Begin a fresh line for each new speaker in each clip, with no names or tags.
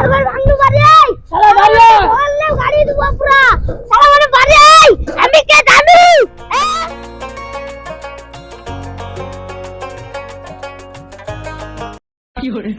ঘর ভাঙলু বাড়ি শালা বাড়ি বললে গাড়ি দেবো পুরা শালা মানে বাড়ি আমি কে জানি
কি করে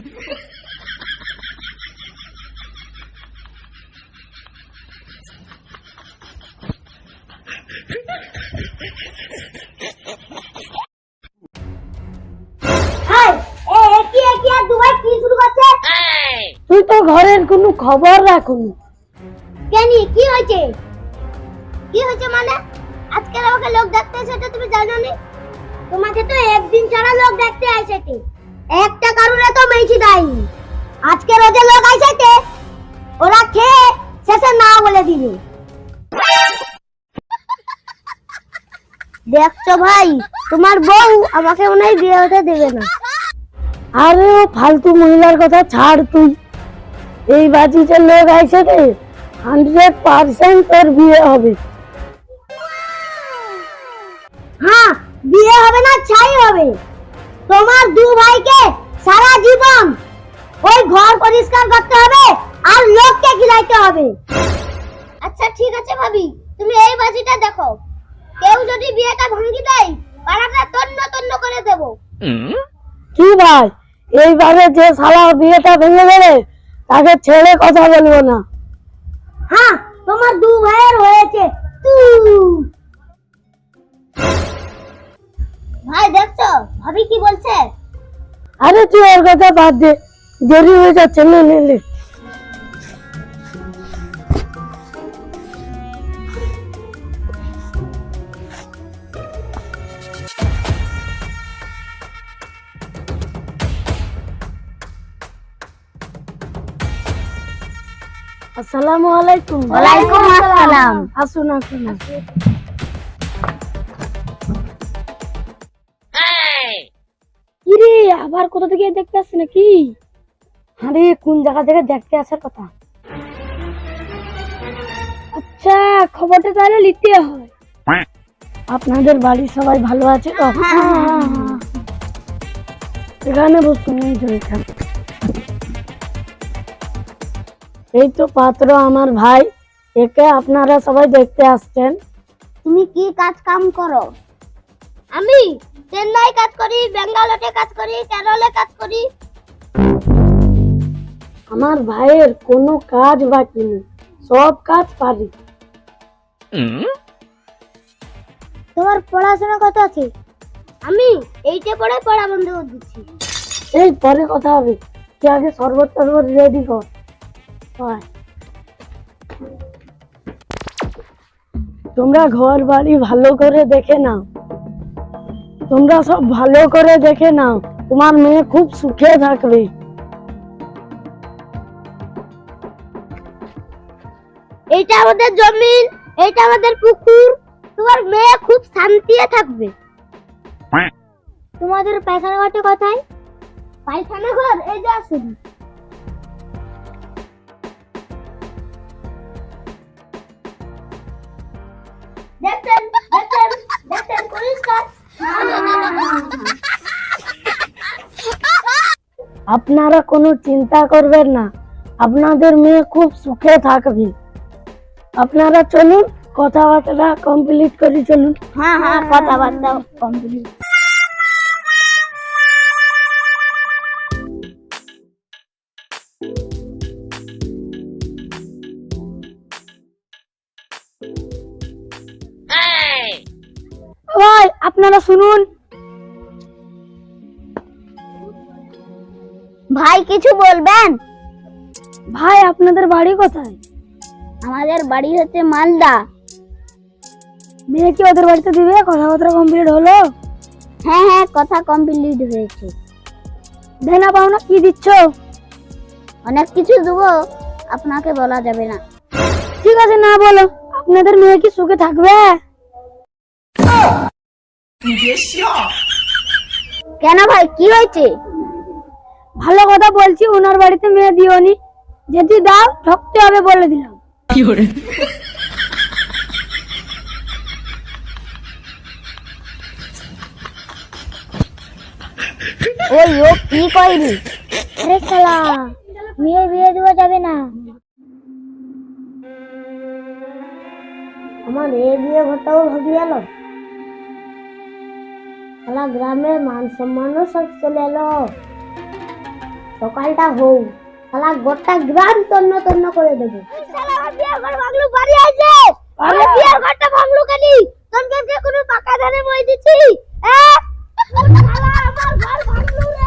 তুই তো ঘরের কোনো খবর রাখুনি কেনি কি হয়েছে মানে আজকে আমাকে লোক দেখতে এসেছে তুমি জানো নি তোমাকে তো একদিন ছাড়া লোক দেখতে আইছেতে একটা কারণে তো মেইছি দাইনি আজকে রোজে লোক আইছেতে ওরা খেয়ে শেষে না বলে দিবে দেখছো ভাই তোমার বউ আমাকে মনে হয় বিয়ে হতে দেবে না আরে ও ফালতু মহিলার কথা ছাড় তুই এই বাজিতে লোক আইছে রে 100% তোর বিয়ে হবে হ্যাঁ বিয়ে হবে না ছাই হবে তোমার দু ভাইকে সারা জীবন ওই ঘর পরিষ্কার করতে হবে আর লোককে খিলাইতে হবে আচ্ছা ঠিক আছে ভাবি তুমি এই বাজিটা দেখো কেউ যদি বিয়েটা ভাঙি দেয় পাড়াটা তন্ন তন্ন করে দেব কি ভাই এইবারে যে শালা বিয়েটা ভেঙে দেবে তাকে ছেড়ে কথা বলবো না হ্যাঁ তোমার দু ভাইয়ের হয়েছে ভাই দেখছো ভাবি কি বলছে আরে তুই ওর কথা বাদ দে দেরি হয়ে যাচ্ছে নে আসসালামু আলাইকুম ওয়ালাইকুম আসসালাম আসুন কিরে আবার কোথা থেকে দেখতে আসছে নাকি আরে কোন জায়গা থেকে দেখতে আসার কথা আচ্ছা খবরটা তাহলে নিতে হয় আপনাদের বাড়ির সবাই ভালো আছে তো এখানে বসুন এই তো পাত্র আমার ভাই একে আপনারা সবাই দেখতে আসছেন তুমি কি কাজ কাম করো আমি চেন্নাই কাজ করি বেঙ্গালুরুতে কাজ করি কেরলে কাজ করি আমার ভাইয়ের কোনো কাজ বাকি নেই সব কাজ পারি তোমার পড়াশোনা কত আছে আমি এইটা পড়ে পড়া বন্ধ করে দিচ্ছি এই পরে কথা হবে তুই আগে শরবত রেডি কর তোমরা ঘর বাড়ি ভালো করে দেখে নাও তোমরা সব ভালো করে দেখে নাও তোমার মেয়ে খুব সুখে থাকবে এইটা আমাদের জমিন এইটা আমাদের পুকুর তোমার মেয়ে খুব শান্তিতে থাকবে তোমাদের পায়খানা ঘরটা কোথায় পায়খানা ঘর এই যে আসুন দেখতেন পরিষ্কার আপনারা কোনো চিন্তা করবেন না আপনাদের মেয়ে খুব সুখে থাকবে আপনারা চলুন কথাবার্তা কমপ্লিট করে চলুন হ্যাঁ কথাবার্তা কমপ্লিট ভাই আপনারা শুনুন ভাই কিছু বলবেন ভাই আপনাদের বাড়ি কোথায় আমাদের বাড়ি হচ্ছে মালদা মেয়ে কি ওদের বাড়িতে দিবে কথাবার্তা কমপ্লিট হলো হ্যাঁ কথা কমপ্লিট হয়েছে দেনা পাওনা কি দিচ্ছ অনেক কিছু দেবো আপনাকে বলা যাবে না ঠিক আছে না বলো আপনাদের মেয়ে কি সুখে থাকবে কেন ভাই কি হয়েছে ভালো কথা বলছি ওনার বাড়িতে মেয়ে দিওনি যদি দাও ঠকতে হবে বলে দিলাম
কি করে
ওই ও কি কইলি আরে শালা মেয়ে বিয়ে দেওয়া যাবে এই বিয়ে ঘরটাও ভাবি এলো। শালা গ্রামের মান সম্মানও সব চলে এলো। সকালটা হোক, শালা গোটা গ্রাম তন্ন তন্ন করে দেবে। শালা আমার বিয়ের ঘর ভাঙলু বাড়ি আইছে। আমার বিয়ের ঘরটা ভাঙলু কেনি? তোর কাছে কোনো পাকা ধানে মই দিছি? শালা আমার ঘর ভাঙলু রে।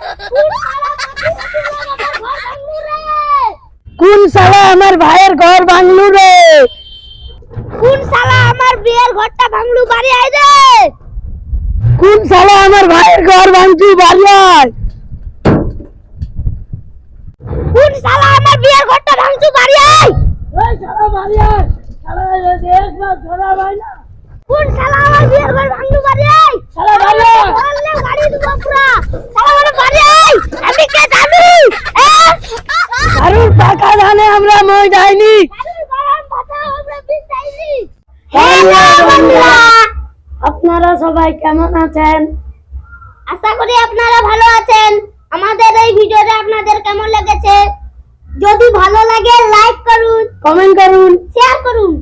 কোন শালা আমার ভাইয়ের ঘর ভাঙলু রে? কোন শালা আমার বিয়ের ঘরটা ভাঙলু বাড়ি আই রে? কোন শালা আমার ভাইয়ের ঘর ভাঙছু বাড়ি আয়? কোন শালা আমার বিয়ের ঘরটা ভাঙছু বাড়ি আয়? ওই শালা বাড়ি আয়। শালা দেখ না ধরা ভাই না। কোন শালা আমার বিয়ের ঘর ভাঙলু বাড়ি আয়? শালা বাড়ি আয়। বললে বাড়ি দিব পুরা। শালা আমার বাড়ি আয়। আমি কে জানি? কারুর পাকা ধানে আমরা মই যাইনি। কারুর গরম ভাতা আমরা বিষ যাইনি। হ্যালো বন্ধুরা, আপনারা সবাই কেমন আছেন? আশা করি আপনারা ভালো আছেন। আমাদের এই ভিডিওটা আপনাদের কেমন লেগেছে? যদি ভালো লাগে লাইক করুন, কমেন্ট করুন, শেয়ার করুন।